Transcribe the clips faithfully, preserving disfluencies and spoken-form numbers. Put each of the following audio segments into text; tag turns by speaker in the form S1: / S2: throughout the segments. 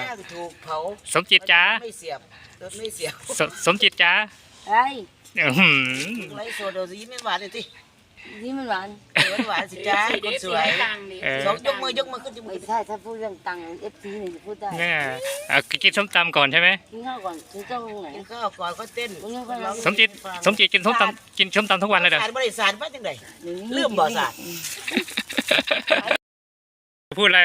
S1: ถูกเผา
S2: สมจิตจ๋า
S1: ไม่เสียบรถไม่เสียบ
S2: สสมจิตจ๋า
S3: ไอ้
S2: อื้อหือ
S1: ไรโซโดซีไม่หวานเลยสิ
S3: นี่มันหวาน
S1: หวานหวานสิจ้าคนสวย
S2: เออ
S1: สองยกมือยกมือขึ้นจมู
S3: ไม่
S1: ก
S3: ใช่ถ้าพูดเรื่องตังค์เอฟซีเนี่ยจะพูดได้
S2: เนี่ยเอากินส้มตำก่อนใช่ไหม
S3: กินข้าวก่อนกินข้าวตรงไหน
S1: กินข้าวก่อนก็เต้น
S2: สมจิตสมจิตกินส้มตำกินส้มตำทุกวันเลยเด้อ
S1: สารบริสารว่าจังไดลืมบ่สาร
S2: พูดอะไร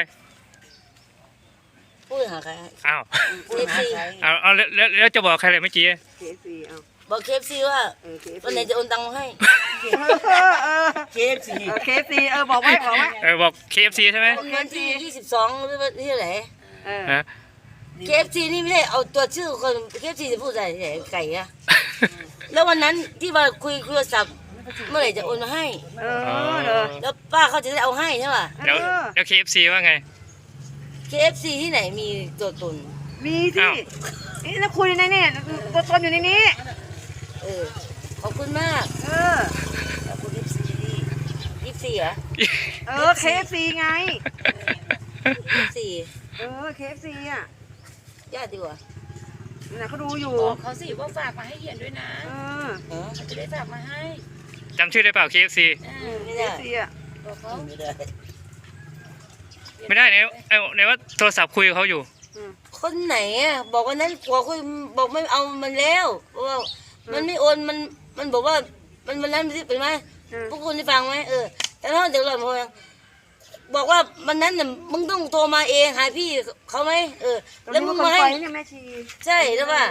S3: พูดหาใคร
S2: อ้าว
S3: เอฟซี
S2: เอาเอาแล้วแล้วแล้วจะบอกใครเลยเมื่อกี้
S4: เคฟซีเอา
S3: บอกเคฟซีว่า
S4: เออเคฟ
S3: วันไหนจะโอนตังค์มาให้
S1: เคฟซี
S4: เคฟซีเออบอกไว้บอกไว้
S2: เออบอก เค เอฟ ซี ใช่ไหม
S3: วันที่ยี่สิบสองหรือว่าที่ไหน
S4: เออ
S2: ฮะ
S3: เคฟซีนี่ไม่ได้เอาตัวชื่อคนเคฟซีจะพูดอะไรไก่อะแล้ววันนั้นที่ว่าคุยโทรศัพท์เมื่อไหร่จะโอนมาให้
S4: เออเออ
S3: แล้วป้าเขาจะได้เอาให้ใช่ป่ะ
S2: แล้วแล้ว เค เอฟ ซี ว่าไง
S3: เคฟซีที่ไหนมีตัวตน
S4: มีสิ
S2: อ้าว
S4: นี่แล้วคุยในนี่ตัวตนอยู่ในนี้
S3: เออขอบคุณมาก
S4: เออ
S3: ขอบคุณเอฟซียี่สิบสี่เหรอ
S4: เออเคฟซีไง
S3: ยี่สิบสี่
S4: เออเคฟซีอ่ะ
S3: ญาติดีกว่า
S4: น่ะเขาดูอยู่
S5: บอกเขาสิว่าฝากมาให้เหียนด้วยนะ
S4: เออ
S3: เออ
S5: เขาจะได้ฝากมาให้
S2: จำชื่อได้เปล่า เค เอฟ ซี
S5: อ่า
S3: ไม่
S4: เค
S3: ได้
S4: ฟซีอ่ะ
S5: บอกเขา
S1: ไม่ได้
S2: ไม่ได้เนี่ยเอาเนี่ยว่าโทรศัพท์คุยกับเขาอยู่
S3: คนไหนอ่ะบอกวันนั้นกลัวคุยบอกไม่เอามันแล้วเพราะว่ามันไม่โอนมันมันบอกว่ามันมันนั้นเป็นไหมพวกคุณได้ฟังไหมเออแต่ถ้าเดี๋ยวเราบอกว่าวันนั้นน่ะมึงต้องโทรมาเองหาพี่เขาไหมเออแล้วมึงมาให้
S4: เนี่ยแม่ชี
S3: ใช่แล้วว่า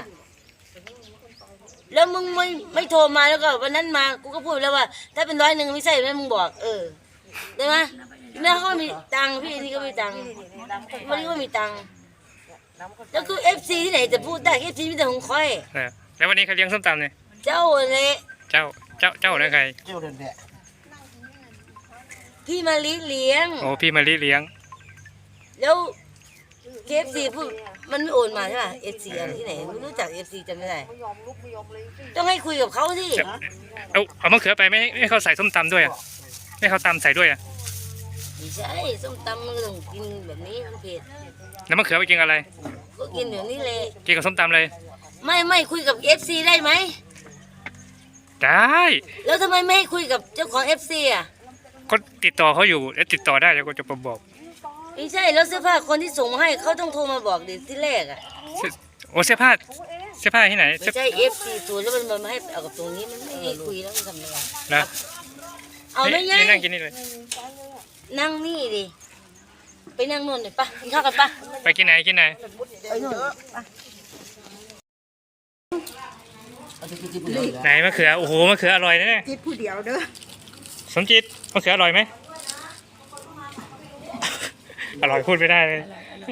S3: แล้วมึงไม่ไม่โทรมาแล้วก็วันนั้นมากูก็พูดแล้วว่า ถ้าเป็นร้อยหนึ่งไม่ใช่ไหมมึงบอก เออได้ไหมแม่เขาก็มีตังค์พี่นี่ก็มีตังค์วันนี้ก็มีตังค์แล้วคือเอฟซีที่ไหนจะพูดได้เอฟซีมีแต่ของค่อย
S2: เออแล้ววันนี้เขาเลี้ยงส้มตำเนี่ย
S3: เจ้าเลย
S2: เจ้าเจ้าเจ้านะใคร
S1: เจ้าเดินแดด
S3: พี่มาลีเลี้ยง
S2: โอ้พี่มารีเลี้ยง
S3: แล้วเคฟซีพูดมันไม่โอนมาใช่ป่ะเอฟซีอะไรที่ไหนไม่รู้จักเอฟซีจำไม่ได้ต้องให้คุยกับเขาสิ
S2: เอาเอามะเขือไปไม่ไม่ให้เขาใส่ส้มตำด้วยอ่ะไม่ให้เขาตำใส่ด้วยอ่ะ
S3: ไม่ใช่ส้มตำมันก็ต้องกินแบบนี้มันเผ็ด
S2: แล้วมะเขือไปกินกับอะไร
S3: ก็กินแบบนี้เลย
S2: กินกับส้มตำเลย
S3: ไม่ไม่คุยกับเอฟซีได้ไหม
S2: ได้
S3: แล้วทำไมไม่ให้คุยกับเจ้าของเอฟซีอ่ะ
S2: ก็ติดต่อเขาอยู่แล้วติดต่อได้แล้วก็จะมาบอก
S3: ไม่ใช่แล้วเสื้อผ้าคนที่ส่งมาให้เขาต้องโทรมาบอกดิที่แรกอ่ะ
S2: เสื้อโอ้เสื้อผ้าเสื้อผ้าที่ไหน
S3: ไม่
S2: เสื้อ
S3: ใช่เอฟซีศูนย์แล้วมันมาให้เอากับตรงนี้มันไม่ได้คุยแล้วมันทำยังไง
S2: นะ
S3: เอาไม่
S2: นี่
S3: ยัง
S2: นี่นั่งกินนี่เลย
S3: นั่งนี่ดิไปนั่งนู่นเลยปะกินข้าวกันปะ
S2: ไปกินไหนกินไหน
S3: ไปนู่น
S2: ไหนมะเขือโอ้โหมะเขืออร่อยนะเนี่ย
S4: คิดผู้เดียวเด้อ
S2: สมจิตมะเขืออร่อยไหมอร่อยพูดไม่ได้เลย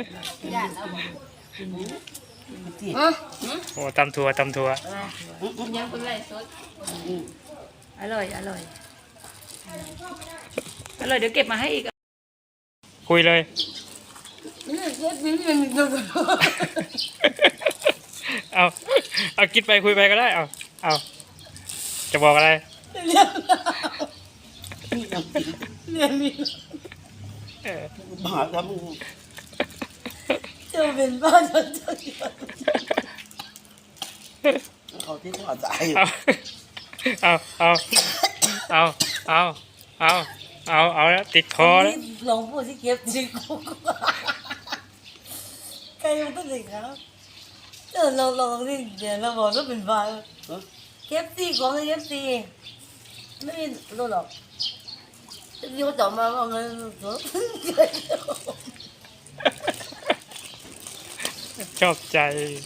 S3: อ่ะ
S2: โอ้ตำทัวตำทัว
S5: ยังเป็นไรสดอร่อยอร่อยอร่อยเดี๋ยวเก็บมาให้อีก
S2: คุยเลย
S3: นี่เอฟซีนี่มันมีตัวตน
S2: เอาเอาคิดไปคุยไปก็ได้เอาเอาจะบอกอะไร
S3: เนี่ยมี
S2: เออ
S1: บ้าทำ
S3: เจ้าเป็นบ้าเจ้าเจ้า
S1: เขาที่เขาใจ
S2: เอาเอาเอาเอาเอาเอาเอาเอาแล้วติดคอแล้ว
S3: ลองพูดสิเก็บจริงกูใครมันต้องเลยครับเออเราลองนี่เดี๋ยวเราบอกว่าเป็นบ้าเคฟซีของเคฟซีไม่มีรู้หรอกยูต่อมาเอาเงินสด
S2: ชอบใจ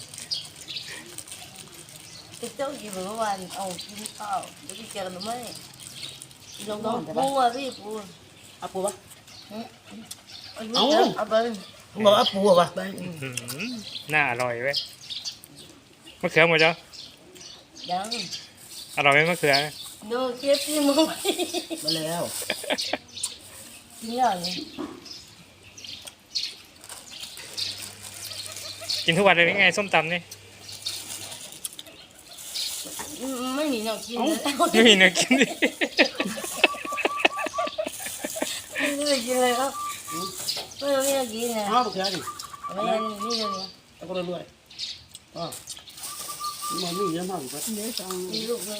S3: เจ้ากี่เมื่อวานเอากินข้าวเดี๋ยวพี่เจอกันหรือไม่ลองลองปูอ่ะพี่ปู
S1: เอาปูปะ
S3: เอาเอาไป
S1: บอกเอาปูปะ
S2: อื้อหือน่าอร่อยเว้ยมะเขือหมดจ้ะ
S3: ยัง
S2: อร่อยไหมมะเขือ
S3: ดูเคฟซีมึง
S1: มาแล้ว
S3: กินอย่างนี้
S2: กินทุกวันเลยนี่ไงส้มตำนี่
S3: ไม่มีแนวกินเลย
S2: ไม่มีเนื้อกินดิ
S3: ไม่ได้กินเลยครับไม่มีแนวกินนะ
S1: เอาปูแค่ดิ
S3: ไม่เห็นนี่เลย
S1: แล้วก็รวยๆอ๋อมันมีเยอะมากเลย
S4: เดี๋ยวสอง
S3: มีลูกนึง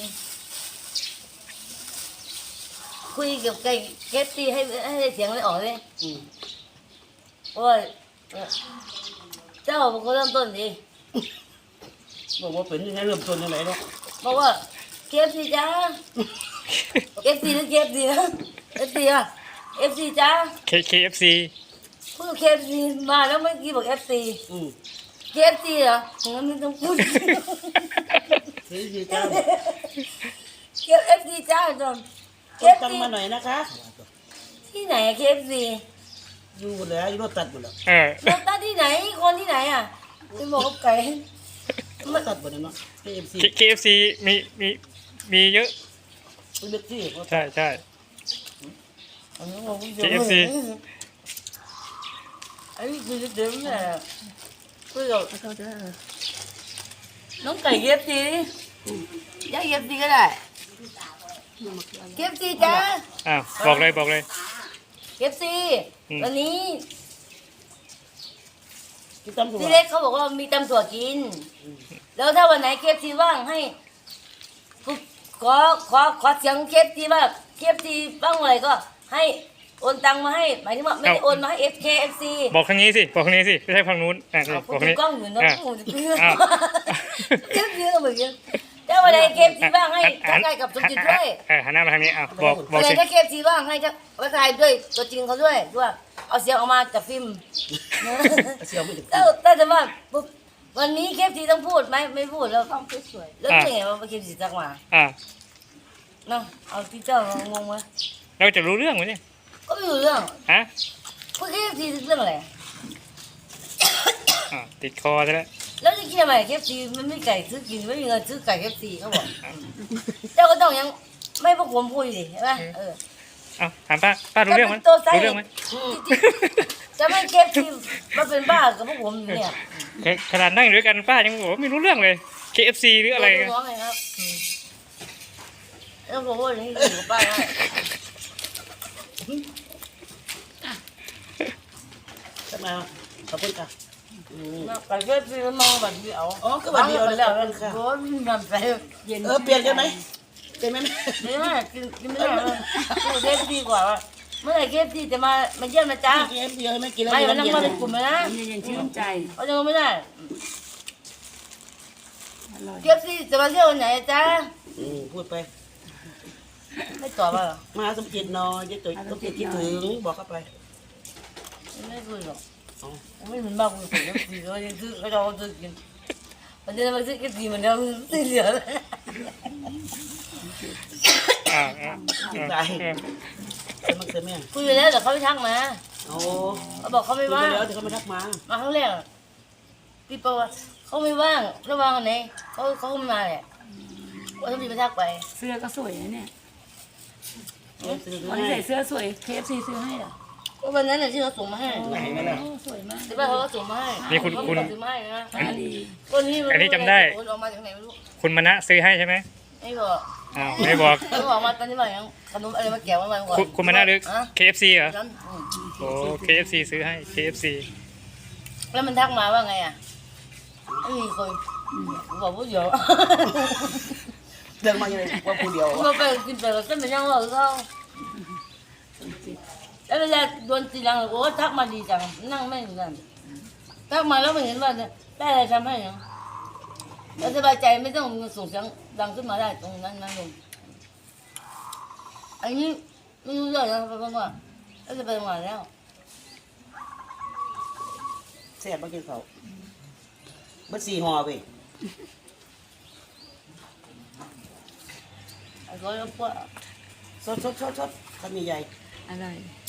S3: คุยกับไก่เก็บตีให้ให้เสียงไม่ออกเลย
S1: อืม
S3: เพราะว่าเจ้าเป็นคนเริ่มต้นดี
S1: บอกว่าเป็นยังไงเริ่มต้นยังไงเนาะ
S3: บอกว่าเก็บสิจ้าเก็บสิหรือเก็บสินะเก็บสิอ่ะเอฟซีจ้า
S2: K KFC
S3: พูดเคฟซีมาแล้วเมื่อกี้บอกเอฟซี
S1: อืม
S3: เคฟซีเหรองั้นไม่ต้องพูด
S1: เฮ้ยดีจ้า
S3: เคฟเอฟซีจ้าจนเค
S1: ต้
S3: ฟ
S1: ตัง
S3: ซี
S1: มาหน่อยนะคะ
S3: ที่ไหนเคฟซี
S1: อยู่หมดแล้วอยู่รถตัดหมดแล้ว
S2: เออ
S3: รถตัดที่ไหนคนที่ไหนอ่ะไปบอกกับไก่
S1: รถตัดหมดแล้วเนาะเอ็มซี
S2: K- KFC มีมีมีเยอะ
S1: เป็นเด็กที่
S2: ใช่ใช่
S3: อันนี้บอกว่า
S2: เคเอฟซี
S3: ไอ้คือเดิมเนี่ยคุยกับ
S4: เขาจะ
S3: น้องไก่เคฟซีย่าเคฟซีก็ได้เคฟซีจ้า
S2: อ้าวบอกเลยบอกเลย
S3: เคฟซี
S2: อืม
S3: วันนี้
S1: กินตั้มตัว
S3: พี่เล็กเขาบอกว่ามีตำถั่วกิน แล้วถ้าวันไหนเคฟซีว่างให้ขอขอขอเสียงเคฟซีว่าเคฟซีว่างเมื่อไหร่ก็ให้โอนตังมาให้หมายถึงว่าไม่ได้โอนมาให้เอฟเคเอฟซี
S2: บอกทางนี้สิบอกทางนี้สิไม่ใช่ฝั่งนู้นอ่ะนี่
S3: เอา
S2: บอก
S3: พูด
S2: ทางนี้
S3: กล้องอยู่เนาะ
S2: อ่ะ
S3: ผมจะเพื่อ
S2: อ้าว
S3: เคฟซีก็เหมือนกันถ้าวันไหนเคฟซีว่างให้ทักทายกับสมจิตด้วย
S2: เออหันหน้ามาทางนี้อ่ะบอกบอ
S3: วั
S2: ก
S3: นไหน
S2: สิ
S3: ถ้าเคฟซีว่างให้ทักทายด้วยตัวจริงเขาด้วยด้วยเอาเสียงออกมาจากฟิล์ม
S1: เสียวไม่ถึง
S3: ถ้าถ้าจะว่าปุ๊บวันนี้เคฟซีต้องพูดไหมไม่พูดแล้ว
S4: ต้องสวย
S3: แล้วเป็นไงว่าเคฟซีทักมา
S2: อ่ะ
S3: เนาะเอาที่เจ้างงไหม
S2: เราจะรู้เรื่องไหมเนี่ย
S3: ก็ไม่รู้เรื่อง
S2: ฮะ
S3: พูดเคฟซีเรื่องอะไร
S2: อ่ะติดคอซะแล้ว
S3: แล้วจะคิดทำไมเคฟซีมันไม่ไก่ซื้อกินไม่มีเงินซื้อไก่เคฟซีเขาบอกเจ้าก็ต้องยังไม่พวกผมพูดดิใช่ไหมเออ
S2: เอ้าถามป้าป้ารู้เรื่องไหม
S3: ตัวไซ
S2: รู้เรื่องไหม
S3: จะไม่เคฟซีมาเป็นบ้ากับพวกผมอยู่เนี่ย
S2: ขนาดนั่งอยู่ด้วยกันป้ายังบอกว่าไม่รู้เรื่องเลย เค เอฟ ซี หรืออะไรกัน
S3: น้องไงครับแล้วผมว่าอย่างนี้อยู่กับป้าได้
S1: จะมาขอบคุณค่ะอืม
S3: ไก่เคฟซีมันมองแบบเดียว
S1: อ๋อก็แบบเดียว
S3: แล้ว
S1: ขอบคุณค่ะ
S3: โอ้ยมันไปเย็น
S1: เออเปลี่ยนกันไหมเปลี่ยนไหม
S3: ไม่ได้กินกินไม่ได้เลยเคฟซีกว่าว่ะเมื่อไหร่เคฟซีจะมามาเยี่ยมนะจ๊ะ
S1: กินเอ็มเดียวไม่กินแล้ว
S3: ไม่
S1: เย็
S3: มัน
S1: น
S3: ต้อง
S1: เย็น
S3: มาเป็นกลุ่มเลยนะ
S4: ๆเย็นๆชื่นใจ
S3: เขาจะไม่ได้
S4: อร่อย
S3: เคฟซีจะมาเที่ยววันไหนจ๊ะ
S1: อืมพูดไป
S3: ไม่ตอบว่าหรอ
S1: มาสมจิตนอยยายตุ๋ยสมจิตคิดถึงบอกเข้าไป
S3: ไม่คุยหรอก
S1: อ๋อ
S3: ไม่เหมือนบ้าคุยกับเคฟซีเขาจะซื้อเขาจะเอาซื้อกินมันจะมาซื้อเคฟซีเหมือนเดิมซื้อเหลือ
S2: อ่าอ่า
S1: จิต
S2: อ่า
S1: ใจ
S2: อ่า
S1: เป็นมักเสียแม่
S3: คุยไปแล้วแต่เขาไม่ทักมา
S1: โอ้
S3: เขาบอกเขา
S1: คุ
S3: ไม่
S1: ยไป
S3: ว่าง
S1: แล้วเดี๋ยวเขาไม่ทักมา
S3: มาครั้งแรกพี่ปอว่าเขาไม่ว่างระวังอันไหนเขาเขาไม่มาแหละว่าต้องมีไปทักไป
S5: เสื้อก็สวยนะเนี่ย
S1: เออซื้อ
S5: วัน
S1: ให้
S5: นี้ใส่เสื้อสวย เค เอฟ ซี ซื้อให้เหรอ
S3: ก็วันนั้นน่ะที่เขาส่งมาให้
S1: ไหนนั่นน่ะ
S5: โอ้สวยมาก
S3: แต่ว่าเขาก็ส่งมาให้
S2: นี่คุณ
S3: เขา
S2: คุณ
S3: ส่งมาให้นะ
S5: ตาดี
S3: คนนี้มั
S2: อันนี้จำได้
S3: โอนออกมาจากไหนไม่รู้
S2: คุณมณะซื้อให้ใช่ไหม
S3: ไม่บอก
S2: อ้าวไม่บอก
S3: เขาบอกมาตอนนี้ว่ายังขนมอะไรมาแกะมาก่อน
S2: คุณคุณมณะหรือ
S3: อะ
S2: เค เอฟ ซี เหรอ
S3: นั้นอืม
S2: โอ้ เค เอฟ ซี ซื้อให้ เค เอฟ ซี
S3: แล้วมันทักมาว่าไงอ่ะไม่มีคนบอกว่าเดี๋ยว
S1: เดินมาอย่างไรว่าผู้เดียว
S3: เราไปกินไปก็ไม่ยังว่าเขาแล้วเวลาโดนตีหลังโอ้ทักมาดีจังนั่งไม่เหมือนกันทักมาแล้วไม่เห็นว่าได้อะไรทำให้ยังเราสบายใจไม่ต้องส่งเสียงดังขึ้นมาได้ตรงนั้นนั่นเองอันนี้ไม่รู้เรื่องนะเพราะว่าเราจะไปทำงานแล้ว
S1: แซ่บมากินเขาเบิดสี่ห่อไป
S3: ไอ้คนก็พวก
S1: สดสดสดสดทำใหญ่
S5: อร่อย
S1: ๆ